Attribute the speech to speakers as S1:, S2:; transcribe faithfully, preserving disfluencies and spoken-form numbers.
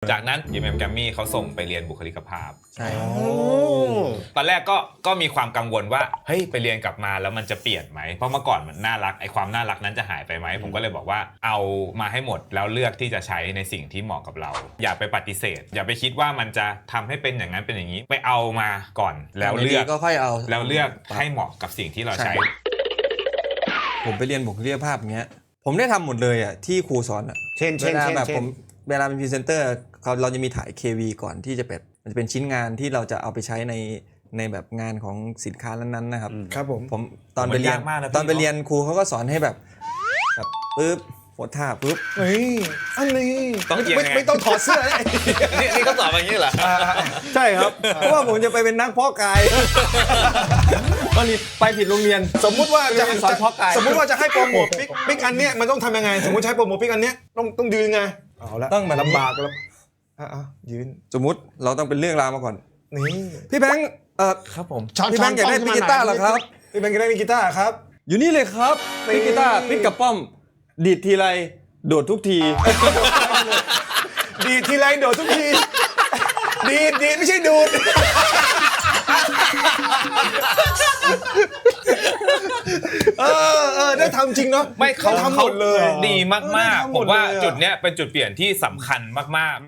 S1: จากนั้น อี เอ็ม เอ็ม Grammy เขาส่งไปเรียนบุคลิกภาพ
S2: ใช่
S1: ตอนแรกก็ก็มีความกังวลว่าเฮ้ยไปเรียนกลับมาแล้วมันจะเปลี่ยนไหมเพราะเมื่อก่อนมันน่ารักไอความน่ารักนั้นจะหายไปไหมผมก็เลยบอกว่าเอามาให้หมดแล้วเลือกที่จะใช้ในสิ่งที่เหมาะกับเราอย่าไปปฏิเสธอย่าไปคิดว่ามันจะทำให้เป็นอย่างนั้นเป็นอย่างนี้ไปเอามาก่อนแล้วเลือก
S2: ก็ค่อยเอา
S1: แล้วเลือกให้เหมาะกับสิ่งที่เราใช้
S2: ผมไปเรียนบุคลิกภาพอย่างเงี้ยผมได้ทำหมดเลยอ่ะที่ครูสอนอ่ะ
S3: เช่นเช่น
S2: เวลา
S3: เช่น
S2: แบบ
S3: เช่
S2: ผ
S3: น
S2: มเวลาเป็นพรีเซนเตอร์เขาเราจะมีถ่าย เค วี ก่อนที่จะเป็นมันจะเป็นชิ้นงานที่เราจะเอาไปใช้ในในแบบงานของสินค้านั้นๆนะครับ
S3: ครับผม
S2: ผมตอนไปเรียนตอนไปเรียนครูเขาก็สอนให้แบบแบบปึ๊บโพสท่าปึ๊บ
S3: เฮ้ยอันนี้
S1: ต้องเอียง
S3: ไม่
S1: ไง
S3: ไม่ต้องถอดเสื้อเลย
S1: นี่นี่เขาสอนอย่างนี้เหรอ
S2: ใช่ครับเพราะว่าผมจะไปเป็นนักเพาะกายตอนนี้ไปผิดโรงเรียน
S3: สมมุติว่าจะ
S2: สอนเพาะกาย
S3: สมมุติว่าจะให้โปรโมทปิกปิกอันเนี้ยมันต้องทำยังไงสมมติใช้โปรโมทปิกอันเนี้ยต้องต้องยืนไงเอาละ
S2: ต้องแบบ
S3: ลำบากแล้วอ่ะยืน
S2: สมมุติเราต้องเป็นเรื่องราวมาก่อน
S3: นี่
S2: พี่แบงค์เอ่อ
S1: ครับผม
S3: ช้อน
S2: พี่แบงค์อยากได้
S3: ช้น
S2: กีตาร์เหรอครับ
S3: พี่แบงค์อยากได้กีตาร์ครับ
S2: อยู่นี่เลยครับ
S3: นี่
S2: พี่กีตาร์พี่กับป้อมดีดทีไรโดดทุกที
S3: ดีดทีไรโดดทุกทีดีดดีดไม่ใช่ดูดเออเออได้ทำจริงเนาะ
S1: ไม่เขา
S3: ทำหมดเลย
S1: ดีมากๆ
S3: เออได้ทำห
S1: ผม ม
S3: ดเลย
S1: ว่า
S3: อะ
S1: จุดเนี้ยเป็นจุดเปลี่ยนที่สำคัญมากๆ